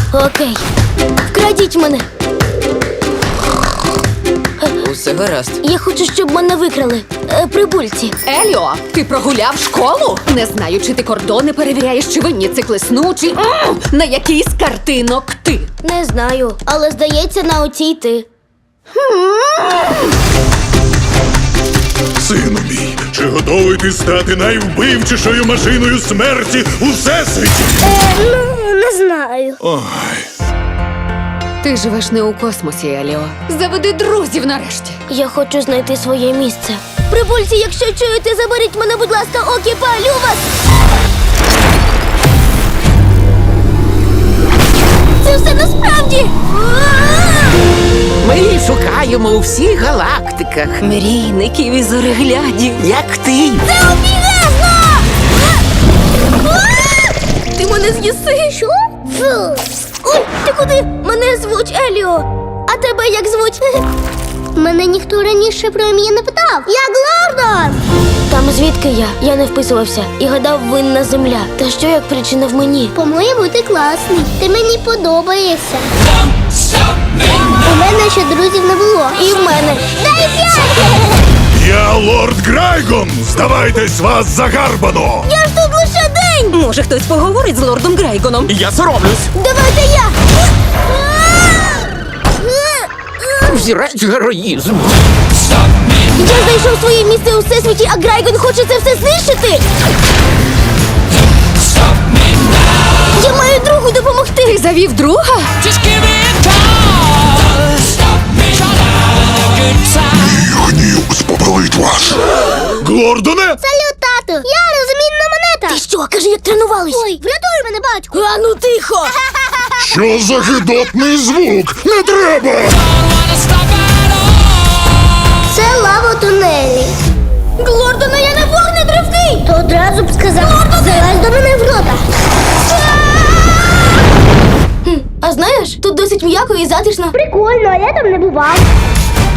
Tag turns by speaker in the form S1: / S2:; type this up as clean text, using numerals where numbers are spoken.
S1: Окей. Вкрадіть мене.
S2: Усе гаразд.
S1: Я хочу, щоб мене викрали. Прибульці.
S3: Еліо, ти прогуляв школу? Не знаю, чи ти кордони перевіряєш, чи винні циклесну, чи на який з картинок ти.
S1: Не знаю, але здається, на оцій ти.
S4: Сину мій, чи готовий ти стати найвбивчішою машиною смерті у всесвіті?
S1: Не знаю.
S4: Ой,
S3: Ти живеш не у космосі, Еліо. Заведи друзів нарешті.
S1: Я хочу знайти своє місце. Прибульці, якщо чуєте, заберіть мене, будь ласка, окі, палю вас! Це все насправді!
S5: Ми її шукаємо у всіх галактиках.
S2: Мрійників і зореглядів.
S5: Як ти?
S1: Це обігезно! Ти мене з'їси? Що? Фу. Ой, ти куди? Мене звуть Еліо. А тебе як звуть? Мене ніхто раніше про ім'я не питав. Я Глордон! Там звідки я? Я не вписувався і гадав, винна земля. Та що як причина в мені?
S6: По-моєму, ти класний. Ти мені подобаєшся. У мене ще друзів не було.
S1: І в мене.
S6: Дай 5!
S4: я лорд Грайгон! Здавайтесь вас загарбано!
S1: Я ж тут лише день!
S2: Може, хтось поговорить з лордом Грайгоном?
S5: Я соромлюсь.
S1: Давайте я!
S5: Взірець героїзму.
S1: Я знайшов своє місце у всесвіті, а Грайгон хоче це все знищити! Я маю другу допомогти!
S3: Ти завів друга?
S4: Гнів спопелить вас! Глордоне!
S6: Салют, тату! Я розмінна монета!
S1: Ти що, кажи, як тренувались?
S6: Ой, врятуй мене, батьку!
S1: А ну тихо!
S4: Що за гидотний звук? Не треба!
S6: Це лава у тунелі.
S1: Глордона, я не вогнетривкий!
S6: То одразу б сказав, залазь до мене в рота.
S1: А знаєш, тут досить м'яко і затишно.
S6: Прикольно, а я там не бував.